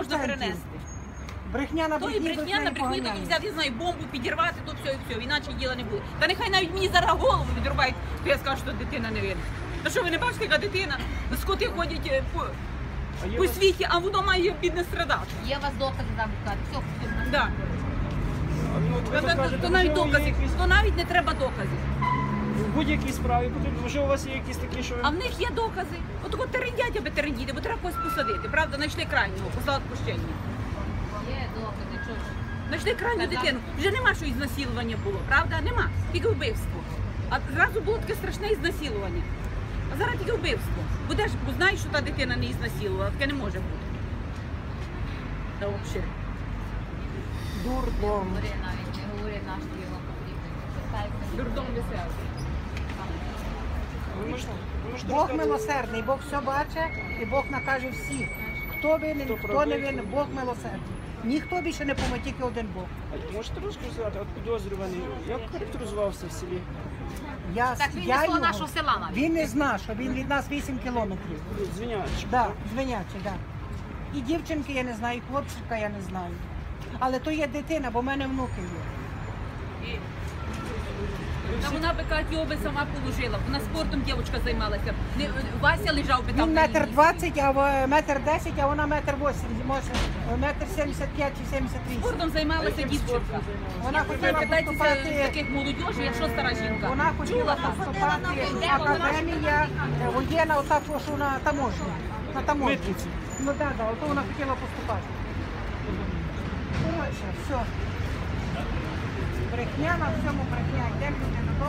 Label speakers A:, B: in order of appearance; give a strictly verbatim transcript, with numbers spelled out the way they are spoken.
A: можна перенести.
B: Брехня на
A: То і
B: брехні,
A: брехня на брехні, то
B: поганяє.
A: взяти, я знаю, бомбу підірвати, то все і все, іначе діла не буде. Та нехай навіть мені зараз голову відрубають, то я скажу, що дитина не винна. Та що ви не бачите, яка дитина, скоти ходять е, по, по світі, а воно має бідне страдати.
C: Є у вас докази там сказати. Все, все.
A: Да.
D: Ну, от ви
A: То, то,
D: кажете,
A: то навіть
D: можливо, є
A: доказів,
D: якісь-
A: то навіть не треба доказів.
D: В будь-якій справі потрібно. Може, у вас є якісь такі, що ви...
A: А в них є докази. От от терендять, аби терендіти, бо треба когось посадити. Правда, знайшли крайнього, послали відпущення.
C: Є докази, чого ж.
A: Знайшли крайню дитину. Вже нема, що ізнасилування було, правда? Нема. Тільки вбивство. А зразу було таке страшне ізнасилування. А зараз тільки вбивство. Будеш, бо знаєш, що та дитина не ізнасилувала, таке не може бути. Та взагалі.
B: Дурдом.
C: Говори навіть, не говори наш його потрібно. Читайте.
A: Дурдом веселий.
D: Ви можете, ви можете
B: Бог
D: розказати-
B: милосердний, Бог все бачить і Бог накаже всіх. Хто винен,
D: Хто
B: хто,
D: правий,
B: не
D: хто-
B: винен, Бог милосердний. Ніхто більше не поможе, тільки один Бог.
D: А можете розказати, от підозрюваний, як характеризувався в селі?
B: Я,
C: Так він
B: я
C: не з того
B: його-
C: нашого села навіть.
B: Він не знає, що він від нас вісім кілометрів.
D: Звінячий.
B: Да, звинячий, да. І дівчинки я не знаю, і хлопчика я не знаю. Але то є дитина, бо в мене внуки є.
A: Та вона би кажуть, його би сама положила. Вона спортом дівчинка займалася. Не, Вася лежав би там.
B: Він
A: на
B: метр
A: лінії.
B: двадцять, а в- метр десять, а вона метр вісімдесят, може метр сімдесят п'ять чи сімдесят вісім.
A: Спортом займалася дівчинка.
B: Вона хотіла
A: Питайтеся
B: поступати.
A: таких молодіжі, якщо стара жінка.
B: Вона хотіла поступати академія е, воєнна, отак, що на таможню. На таможню.
D: Митниці.
B: Ну так, да, ото вона хотіла поступати. Коротше, все. Брехня на всьому брехня. Йдемо люди додому.